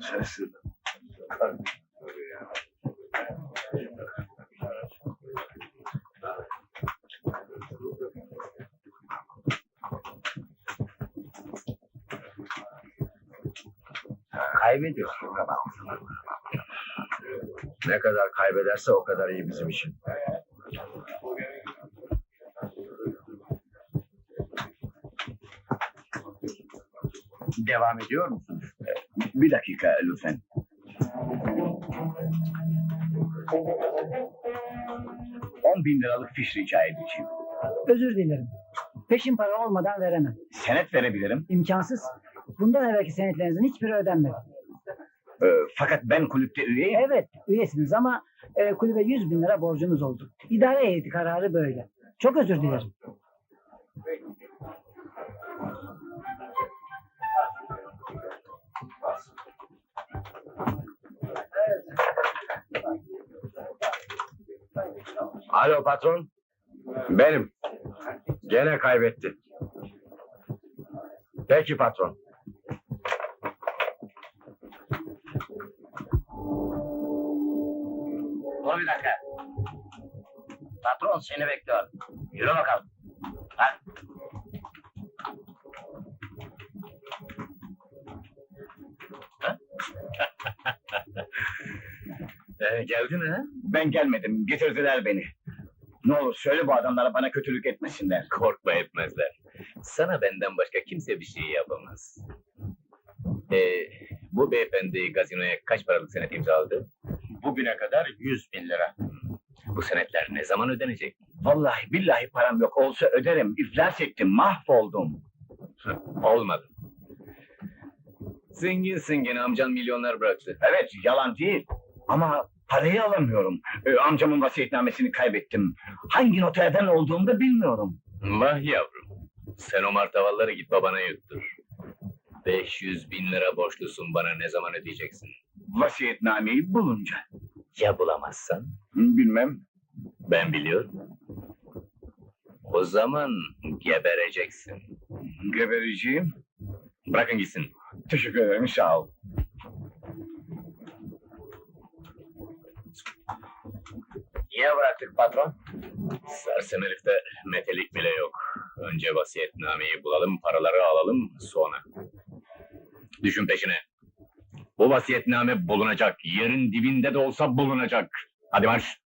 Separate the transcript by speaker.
Speaker 1: sensin.
Speaker 2: Kaybediyor. Ne kadar kaybederse o kadar iyi bizim için. Devam ediyor musunuz?
Speaker 1: Bir dakika lütfen. $10.000 fiş rica edeceğim.
Speaker 3: Özür dilerim. Peşin para olmadan veremem.
Speaker 1: Senet verebilirim.
Speaker 3: İmkansız. Bundan evvelki senetlerinizin hiçbiri ödenmedi.
Speaker 1: Fakat ben kulüpte üyeyim.
Speaker 3: Evet, üyesiniz ama kulübe 100.000 lira borcunuz oldu. İdare heyeti kararı böyle. Çok özür dilerim.
Speaker 2: Alo patron. Benim. Gene kaybetti. Peki patron.
Speaker 4: Dur bir dakika. Patron seni bekliyor. Yürü bakalım. Ha?
Speaker 2: Geldin ha?
Speaker 1: Ben gelmedim. Getirdiler beni. Ne olur söyle bu adamlara bana kötülük etmesinler.
Speaker 5: Korkma etmezler. Sana benden başka kimse bir şey yapamaz. Bu beyefendi gazinoya kaç paralık senet imzaladı?
Speaker 2: Bugüne kadar 100.000 lira.
Speaker 5: Bu senetler ne zaman ödenecek?
Speaker 1: Vallahi billahi param yok. Olsa öderim. İflas ettim. Mahvoldum.
Speaker 5: Olmadı. Zenginsin gene, amcan milyonlar bıraktı.
Speaker 1: Evet yalan değil. Ama parayı alamıyorum. Amcamın vasiyetnamesini kaybettim. Hangi noterden olduğumu da bilmiyorum.
Speaker 5: Vah yavrum. Sen o martavalları git babana yuttur. 500.000 lira borçlusun, bana ne zaman ödeyeceksin?
Speaker 1: Vasiyetnameyi bulunca.
Speaker 5: Ya bulamazsan?
Speaker 1: Bilmem.
Speaker 5: Ben biliyorum. O zaman gebereceksin.
Speaker 1: Gebereceğim.
Speaker 5: Bırakın gitsin.
Speaker 1: Teşekkür ederim. Sağ ol.
Speaker 4: Niye bıraktık patron?
Speaker 5: Sersem herifte metelik bile yok. Önce vasiyetnameyi bulalım, paraları alalım, sonra. Düşün peşine. Bu vasiyetname bulunacak. Yerin dibinde de olsa bulunacak. Hadi marş.